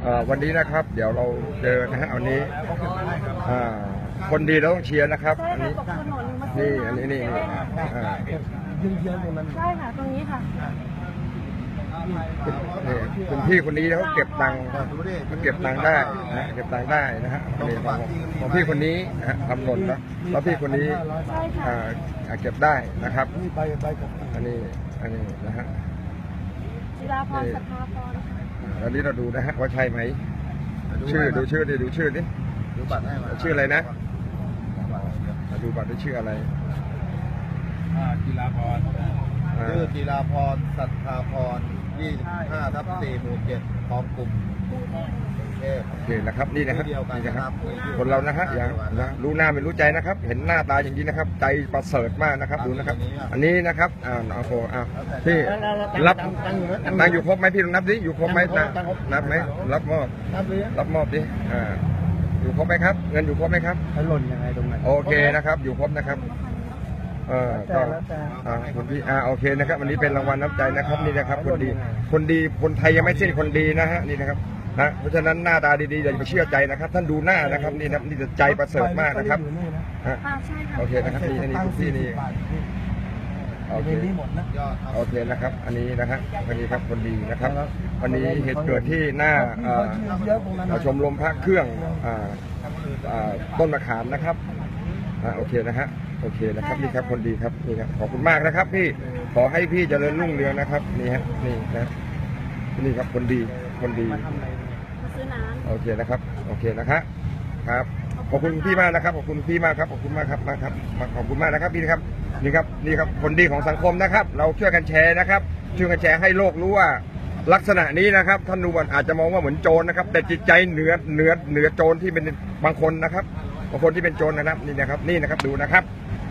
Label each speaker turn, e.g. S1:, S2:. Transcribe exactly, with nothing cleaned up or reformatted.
S1: วันนี้นะครับเดี๋ยวเราเจอนะฮะวันนี้คนดีเราต้องเชียร์นะครับอันนี้นี่อันนี้นี่นี่
S2: เยือนๆตรงนั้นใช่ค่ะตรงนี้ค่ะ
S1: นี่คุณพี่คนนี้เขาเก็บตังค์เขาเก็บตังค์ได้นะเก็บตังค์ได้นะฮะนี่ของของพี่คนนี้นะฮะทำหล่นแล้วแล้วพี่คนนี้เก็บได้นะครับอันนี้อันนี้นะฮะ
S2: จิราพรสัทธาพร
S1: อันนี้เราดูนะฮะว่าใช่ไหมชื่อดูชื่อดิดูชื่อดิ
S3: ดูบัตรให้มา
S1: ชื่ออะไรนะดูบัตรได้ชื่ออะไร
S3: จิราพรชื่อจิราพรสัทธาพรยี่สิบห้าทับสี่หมู่เจ็ดคลองกลุ่ม
S1: โอเคนะครับนี่นะครับนี่นะครับคนเรานะฮะอย่างนะรู้หน้าไม่รู้ใจนะครับเห็นหน้าตาอย่างนี้นะครับใจประเสริฐมากนะครับดูนะครับอันนี้นะครับอ่าโอ้โหอ่าพี่รับตังอยู่ครบไหมพี่ลองนับดิอยู่ครบไหมนะนับไหมรับมอบรับมอบดิอ่าอยู่ครบไหมครับเงินอยู่ครบไหมครับ
S2: หล่นยังไงตรงไหน
S1: โอเคนะครับอยู่ครบนะครับเออก็อ่าคนที่อ่าโอเคนะครับวันนี้เป็นรางวัลน้ำใจนะครับนี่นะครับคนดีคนดีคนไทยยังไม่สิ้นคนดีนะฮะนี่นะครับนะเพราะฉะนั้นหน้าตาดีๆอย่าไปเชื่อใจนะครับท่านดูหน้านะครับนี่นะนี่จะใจประเสริฐมากนะครับโอเคนะครับนี่นี่คุณพี่นี่โอเคโอเคนะครับอันนี้นะฮะอันนี้ครับคนดีนะครับวันนี้เหตุเกิดที่หน้าชมรมพระเครื่องต้นมะขามนะครับโอเคนะฮะโอเคนะครับนี่ครับคนดีครับนี่ครับขอบคุณมากนะครับพี่ขอให้พี่เจริญรุ่งเรืองนะครับนี่ฮะนี่นะนี่ครับคนดีคนดีโอเคนะครับโอเคนะครับครับขอบคุณพี่มากนะครับขอบคุณพี่มากครับขอบคุณมากครับมากครับขอบคุณมากนะครับพี่นะครับนี่ครับนี่ครับคนดีของสังคมนะครับเราช่วยกันแชร์นะครับช่วยกันแชร์ให้โลกรู้ว่าลักษณะนี้นะครับท่านดูอาจจะมองว่าเหมือนโจรนะครับแต่จิตใจเหนือเหนือเหนือโจรที่เป็นบางคนนะครับบางคนที่เป็นโจรนะครับนี่นะครับนี่นะครับดูนะครับ